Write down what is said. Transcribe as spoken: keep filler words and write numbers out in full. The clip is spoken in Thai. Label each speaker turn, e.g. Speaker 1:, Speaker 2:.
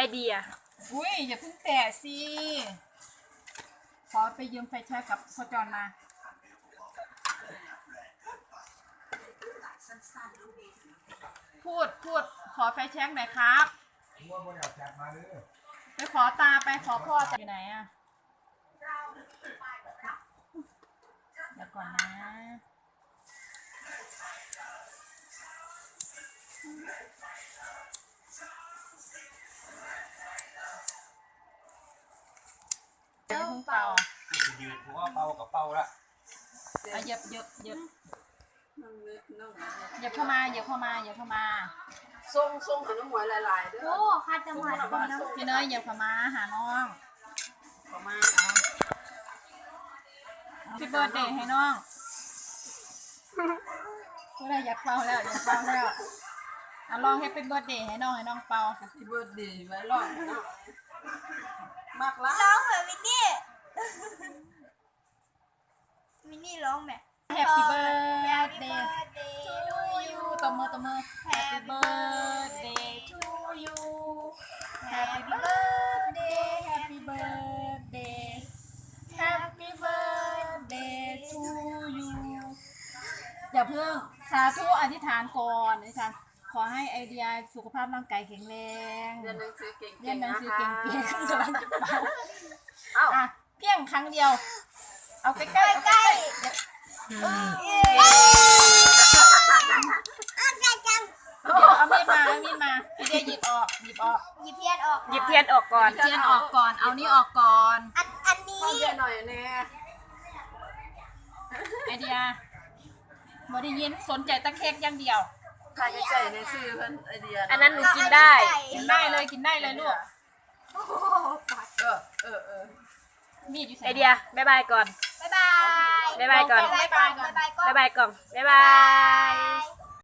Speaker 1: เดีย
Speaker 2: อุ้ยอย่าเพิ่งแตะสิขอไปยืมไฟแช็กกับพ่อจอนมาพูดพูดขอไฟแช็กหน่อยครับไปขอตาไปขอพ่อจะอยู่ไหนอะเดี๋ยวก่อนนะเดี๋ยวเพิ่งเป่า
Speaker 3: ยืนผมว่าเป่ากับเป่าละ
Speaker 2: อ่ะเหยียบเหยียบเหยียบเหยียบเข้ามาเหยียบเข้ามาเหยียบเข้ามา
Speaker 4: ส่งส่งขนมหวยหลายๆด้วย
Speaker 1: โอ้คัดจังหวัด
Speaker 2: พี่เนยเหยียบเข้ามาหาน้องเข้ามาพี่เบิร์ดเดย์ให้น้องก็ได้อยากเป่าแล้วอยากเป่าแล้วอ่ะลองให้เป็นเบิร์ดเดย์ให้น้องให้น้องเป่า
Speaker 4: ที่เบิร์ดเดย์ไว้ร้อยมากละ
Speaker 1: ร้องเหมือนมินนี่มินนี่ร้องแบบ
Speaker 2: Happy birthday to you ตบมือตบมือ Happy birthday to you Happy birthday Happy birthday Happy birthday to you อย่าเพิ่งสาธุอธิษฐานก่อนอธิษฐานขอให้ไอเดียสุขภาพร่างกายแข็งแรง
Speaker 4: เรียนหนังสือเก่งๆ
Speaker 2: เรียนหนังสือเก่งๆกำลังจะเป่า
Speaker 4: เอ้า
Speaker 2: อ่ะเพียงครั้งเดียวเอาใกล้ๆใกล้ๆ
Speaker 1: ใกล้จัง
Speaker 2: เดี๋ยวเอามีดมาเอามีดมาพี่เดียหยิบออกหยิบออก
Speaker 1: หยิบเทียนออก
Speaker 3: หยิบเทียนออกก่อน
Speaker 2: เทียนออกก่อนเอานี่ออกก่อน
Speaker 1: อันอันนี้
Speaker 4: พ่อเรียนหน่อยแน่
Speaker 2: ไอเดียบ่ได้ยินสนใจตะเค้กอย่างเดียว
Speaker 4: ใครจะใจในซื้อเพิ่นไอเดีย
Speaker 3: อันนั้นหนูกินได้
Speaker 2: กินได้เลยกินได้เลยลูก
Speaker 4: เออเออเออ
Speaker 2: มีดอยู่ใส่
Speaker 3: ไอเดียบายบายก่อน
Speaker 1: บ๊ายบาย
Speaker 3: บ๊ายบายก่อน
Speaker 1: บ๊ายบายก่อนบ๊ายบายก่อน
Speaker 3: บายบายก่อนบายบาย
Speaker 1: ย